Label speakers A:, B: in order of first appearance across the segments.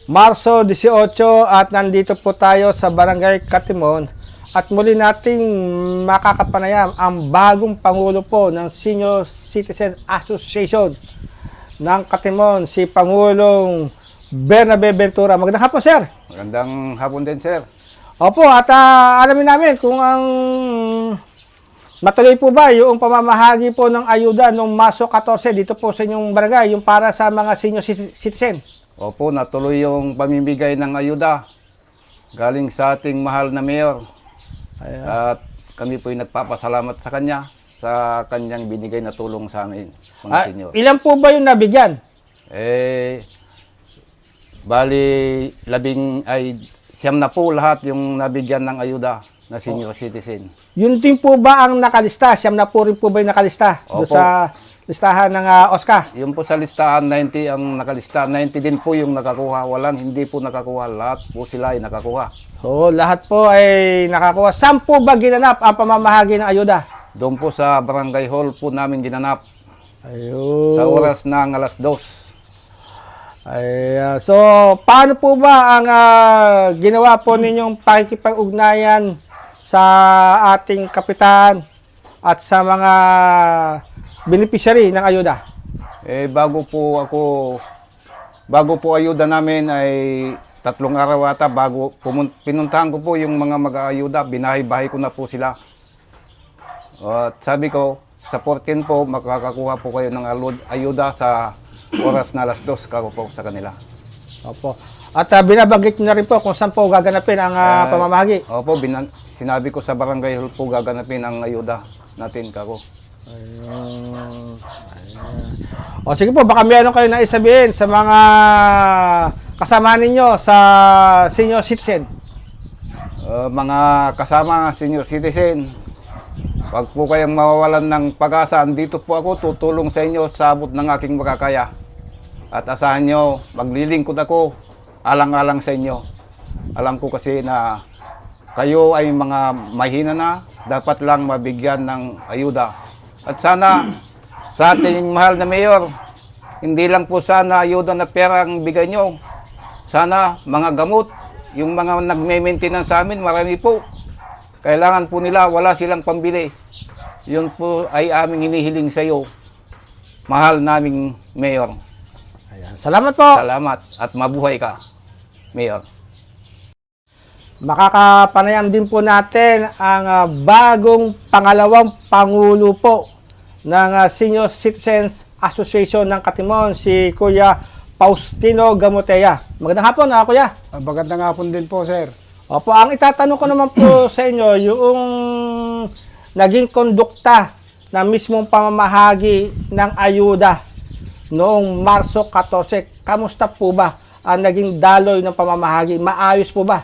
A: Marso 18 at nandito po tayo sa Barangay Katimon at muli nating makakapanayam ang bagong Pangulo po ng Senior Citizen Association ng Katimon, si Pangulong Bernabe Ventura. Magandang hapon, sir.
B: Magandang hapon din, sir.
A: Opo, at alamin namin kung ang matuloy po ba yung pamamahagi po ng ayuda noong Marso 14 dito po sa inyong barangay, yung para sa mga senior citizen.
B: Opo, natuloy yung pamimigay ng ayuda galing sa ating mahal na mayor.
A: Ayan.
B: At kami po'y nagpapasalamat sa kanya sa kanyang binigay na tulong sa amin, mga senior.
A: Ilan po ba yung nabigyan?
B: Bali, siyam na po lahat yung nabigyan ng ayuda na senior citizen.
A: Yun din po ba ang nakalista? Siyam na po rin po ba yung nakalista? Doon
B: Opo.
A: sa listahan ng OSCA?
B: Yung po sa listahan, 90 ang nakalista. 90 din po yung nakakuha. Walang hindi po nakakuha. Lahat po sila ay nakakuha.
A: Oo, lahat po ay nakakuha. Saan po ba ginanap ang pamamahagi ng ayuda?
B: Doon po sa barangay hall po namin ginanap
A: Ayun.
B: sa oras ng alas 2.
A: So, paano po ba ang ginawa po ninyong pakikipag-ugnayan sa ating kapitan at sa mga beneficiary ng ayuda?
B: Bago po ayuda namin ay 3 araw ata bago pinuntahan ko po yung mga mag-aayuda, binahay-bahay ko na po sila. At sabi ko, sa 14 po, makakakuha po kayo ng ayuda sa oras na alas 2 kako po sa kanila.
A: Opo. At binabanggit nyo na rin po kung saan po gaganapin ang pamamahagi.
B: Opo, sinabi ko sa barangay hall po gaganapin ang ayuda natin kako.
A: Ayun. O sige po, baka meron kayo na isabihin sa mga kasama ninyo sa senior citizen.
B: Mga kasama senior citizen, wag po kayong mawawalan ng pag-asa. Andito po ako, tutulong sa inyo sa abot ng aking makakaya. At asahan nyo, maglilingkod ako, alang-alang sa inyo. Alam ko kasi na kayo ay mga mahina na, dapat lang mabigyan ng ayuda. At sana, sa ating mahal na mayor, hindi lang po sana ayuda na pera ang bigay nyo. Sana mga gamot, yung mga nagme-maintenance sa amin, marami po. Kailangan po nila, wala silang pambili. Yun po ay aming hinihiling sa iyo, mahal naming mayor.
A: Ayan. Salamat po.
B: Salamat at mabuhay ka, mayor.
A: Makakapanayam din po natin ang bagong pangalawang pangulo po ng Senior Citizens Association ng Katimon, si Kuya Faustino Gamoteya. Magandang hapon, Kuya.
C: Magandang hapon din po, sir.
A: Opo, ang itatanong ko naman po sa inyo, yung naging kondukta na mismong pamamahagi ng ayuda noong Marso 14, kamusta po ba ang naging daloy ng pamamahagi? Maayos po ba?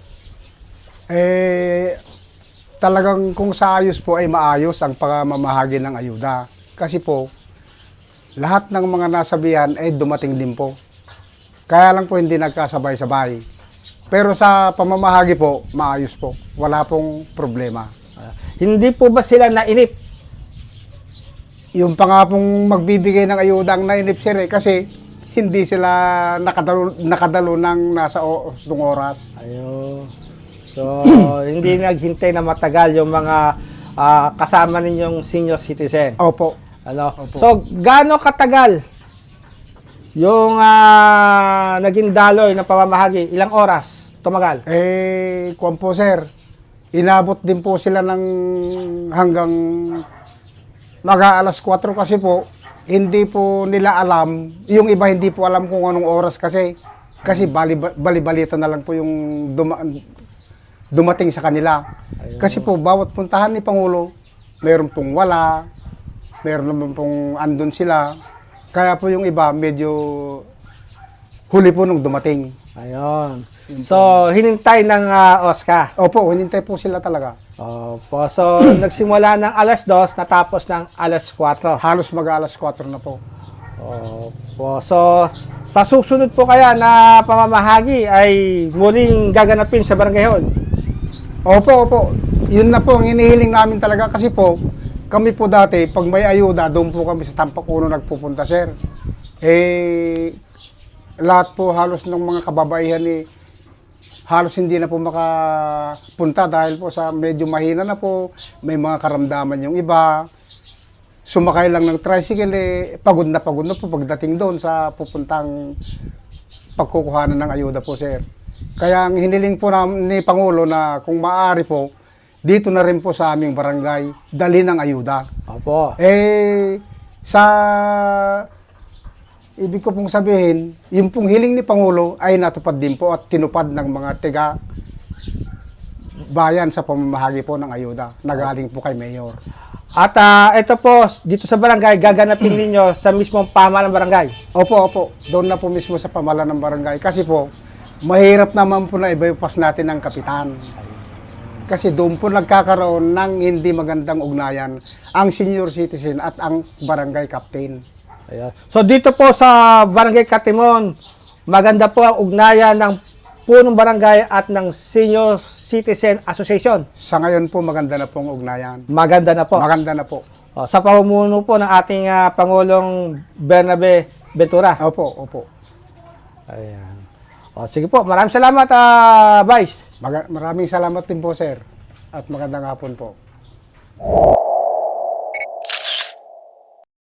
C: Talagang kung sa ayos po ay maayos ang pamamahagi ng ayuda. Kasi po, lahat ng mga nasabihan ay dumating din po. Kaya lang po hindi nagkasabay-sabay. Pero sa pamamahagi po, maayos po. Wala pong problema.
A: Hindi po ba sila nainip?
C: Yung pa nga pong magbibigay ng ayuda ang nainip, sir, kasi hindi sila nakadalo ng nasa gustong oras.
A: Ayun. So, hindi naghintay na matagal yung mga kasama ninyong senior citizen.
C: Opo.
A: Ano?
C: Opo.
A: So, gaano katagal yung naging daloy ng pamamahagi? Ilang oras tumagal?
C: Kuwan po, sir. Inabot din po sila ng hanggang mag-aalas 4 kasi po, hindi po nila alam, yung iba hindi po alam kung anong oras kasi bali-balita na lang po yung dumating sa kanila.
A: Ayun.
C: Kasi po, bawat puntahan ni Pangulo, meron pong wala, meron naman pong andun sila. Kaya po yung iba, medyo huli po nung dumating.
A: Ayun. So, hinintay ng OSCA.
C: Opo, hinintay po sila talaga.
A: Opo. So, nagsimula ng alas 2, natapos ng alas 4.
C: Halos mag-aalas 4 na po.
A: Opo. So, sa susunod po kaya na pamamahagi ay muling gaganapin sa barangay hall?
C: Opo, opo. Yun na po ang hinihiling namin talaga kasi po, kami po dati, pag may ayuda, doon po kami sa Tampak Uno nagpupunta, sir. lahat po halos ng mga kababaihan halos hindi na po makapunta dahil po sa medyo mahina na po, may mga karamdaman yung iba. Sumakay lang ng tricycle, pagod na po pagdating doon sa pupuntang pagkukuhanan ng ayuda po, sir. Kaya ang hiniling po ni Pangulo na kung maaari po, dito na rin po sa aming barangay, dali ng ayuda.
A: Opo.
C: Sa ibig ko pong sabihin, yung pong hiling ni Pangulo ay natupad din po at tinupad ng mga tiga bayan sa pamamahagi po ng ayuda na galing po kay Mayor.
A: At ito po, dito sa barangay, gaganapin ninyo sa mismong pamahalaan ng barangay.
C: Opo. Doon na po mismo sa pamahalaan ng barangay. Kasi po, mahirap naman po na ibaypas natin ng kapitan. Kasi doon po nagkakaroon ng hindi magandang ugnayan ang senior citizen at ang barangay captain.
A: Ayan. So dito po sa Barangay Katimon, maganda po ang ugnayan ng punong barangay at ng Senior Citizen Association.
C: Sa ngayon po, maganda na pong ugnayan.
A: Maganda na po.
C: Maganda na po.
A: Sa pamumuno po ng ating Pangulong Bernabe Ventura.
C: Opo.
A: Ayan. Sige po, maraming salamat, Vice.
C: Maraming salamat din po, sir. At magandang hapon po.